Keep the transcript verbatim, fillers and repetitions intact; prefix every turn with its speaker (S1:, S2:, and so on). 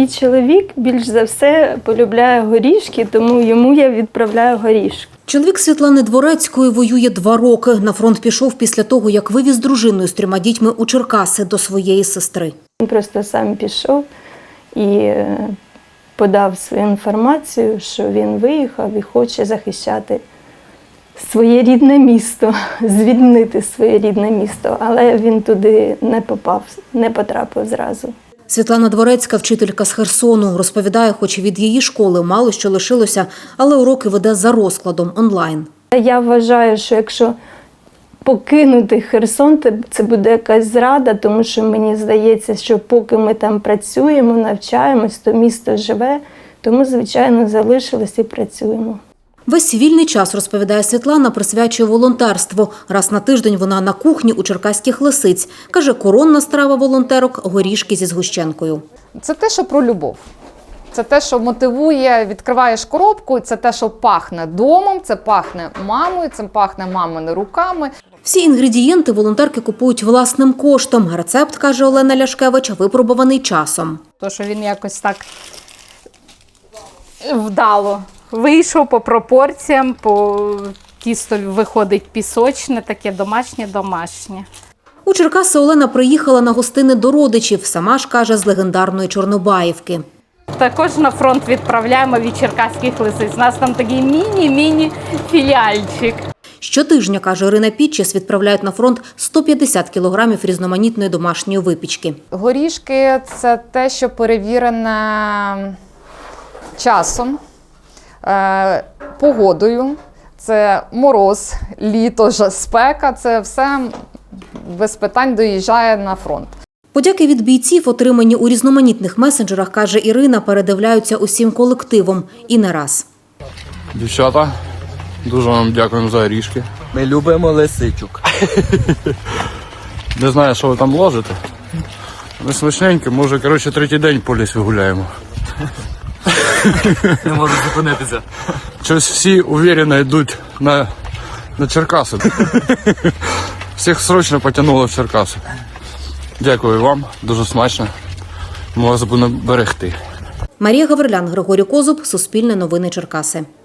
S1: Мій чоловік більш за все полюбляє горішки, тому йому я відправляю горішки.
S2: Чоловік Світлани Дворецької воює два роки. На фронт пішов після того, як вивіз дружиною з трьома дітьми у Черкаси до своєї сестри.
S1: Він просто сам пішов і подав свою інформацію, що він виїхав і хоче захищати своє рідне місто, звільнити своє рідне місто. Але він туди не попав, не потрапив зразу.
S2: Світлана Дворецька – вчителька з Херсону. Розповідає, хоч від її школи мало що лишилося, але уроки веде за розкладом онлайн.
S1: Я вважаю, що якщо покинути Херсон, це буде якась зрада, тому що мені здається, що поки ми там працюємо, навчаємось, то місто живе, тому, звичайно, залишилось і працюємо.
S2: Весь вільний час, розповідає Світлана, присвячує волонтерству. Раз на тиждень вона на кухні у черкаських Лисиць. Каже, коронна страва волонтерок – горішки зі згущенкою.
S3: Це те, що про любов. Це те, що мотивує, відкриваєш коробку, це те, що пахне домом, це пахне мамою, це пахне мамини руками.
S2: Всі інгредієнти волонтерки купують власним коштом. Рецепт, каже Олена Ляшкевич, випробуваний часом.
S4: То, що він якось так вдало вийшов по пропорціям, по тісто виходить пісочне, таке домашнє-домашнє.
S2: У Черкаси Олена приїхала на гостини до родичів. Сама ж, каже, з легендарної Чорнобаївки.
S4: Також на фронт відправляємо від черкаських Лисиць. У нас там такий міні-міні філіальчик.
S2: Щотижня, каже Ірина Підчес, відправляють на фронт сто п'ятдесят кілограмів різноманітної домашньої випічки.
S3: Горішки – це те, що перевірене часом, погодою. Це мороз, літо, спека – це все без питань доїжджає на фронт.
S2: Подяки від бійців, отримані у різноманітних месенджерах, каже Ірина, передивляються усім колективом. І не раз.
S5: Дівчата, дуже вам дякуємо за горішки.
S6: Ми любимо лисичок.
S5: Не знаю, що ви там ложите. Ми смачненькі, може, коротше, третій день по лісі гуляємо.
S6: Не можу зупинитися.
S5: Щось всі уверено йдуть на, на Черкаси. Всіх срочно потягнуло в Черкаси. Дякую вам, дуже смачно. Ми вас будемо берегти.
S2: Марія Гаврилян, Григорій Козуб, Суспільне новини Черкаси.